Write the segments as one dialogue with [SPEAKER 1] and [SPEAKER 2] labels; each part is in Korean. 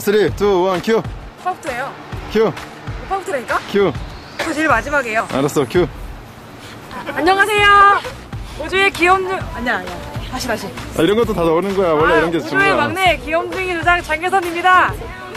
[SPEAKER 1] 3, 2, 1, 큐.
[SPEAKER 2] 오빠부터예요.
[SPEAKER 1] 큐.
[SPEAKER 2] 오빠부터라니까?
[SPEAKER 1] 큐.
[SPEAKER 2] 저 제일 마지막이에요.
[SPEAKER 1] 알았어, 큐.
[SPEAKER 2] 안녕하세요. 우주의 귀염둥 아니야. 다시.
[SPEAKER 1] 아, 이런 것도 다 넣는 거야. 원래 이런 게 좋은
[SPEAKER 2] 우주의
[SPEAKER 1] 거야.
[SPEAKER 2] 막내 귀염둥이 조장 장계선입니다.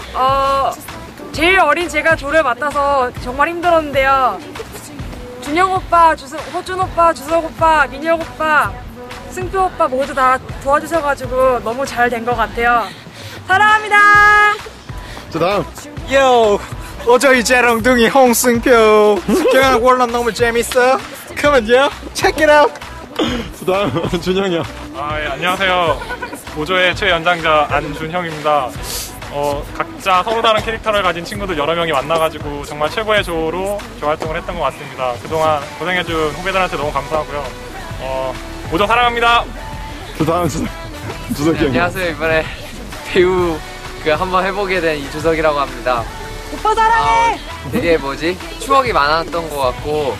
[SPEAKER 2] 제일 어린 제가 조를 맡아서 정말 힘들었는데요. 준영 오빠, 호준 오빠, 주석 오빠, 민혁 오빠, 승표 오빠 모두 다 도와주셔가지고 너무 잘 된 것 같아요. 사랑합니다.
[SPEAKER 1] 자, 다음.
[SPEAKER 3] 요! 오저희 재롱둥이 홍승표 경영 원론 너무 재밌어? 그러면요? Check it out!
[SPEAKER 1] 자, 다음. 준영이야.
[SPEAKER 4] 예, 안녕하세요. 오조의 최연장자 안준형입니다. 각자 서로 다른 캐릭터를 가진 친구들 여러 명이 만나가지고 정말 최고의 조로 활동을 했던 것 같습니다. 그동안 고생해준 후배들한테 너무 감사하고요. 오조 사랑합니다.
[SPEAKER 1] 자, 다음 주석이 형.
[SPEAKER 5] 안녕하세요. 이번에 배우 한번 해보게 된 이주석이라고 합니다.
[SPEAKER 2] 오빠 사랑해.
[SPEAKER 5] 되게 추억이 많았던 것 같고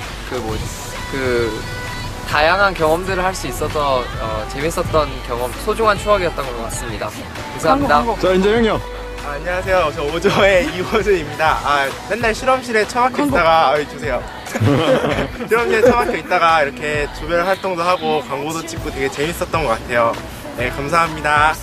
[SPEAKER 5] 다양한 경험들을 할 수 있어서 재밌었던 경험, 소중한 추억이었던 것 같습니다. 감사합니다.
[SPEAKER 1] 자, 이제 형이 형.
[SPEAKER 3] 안녕하세요. 저 오저의 이호준입니다. 맨날 실험실에 처박혀 있다가 주세요. 실험실에 처박혀 있다가 이렇게 조별 활동도 하고 광고도 찍고 되게 재밌었던 것 같아요. 네, 감사합니다.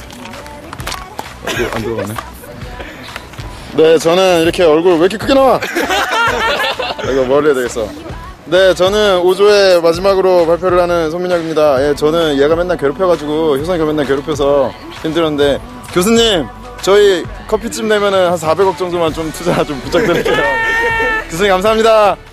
[SPEAKER 1] 안 들어가네. 네, 저는 이렇게 얼굴 왜 이렇게 크게 나와? 이거 뭘 해야 되겠어. 네, 저는 5조의 마지막으로 발표를 하는 손민혁입니다. 예, 저는 얘가 맨날 괴롭혀가지고 효성이가 맨날 괴롭혀서 힘들었는데, 교수님, 저희 커피집 내면은 한 400억 정도만 좀 투자 좀 부탁드릴게요. 교수님 감사합니다.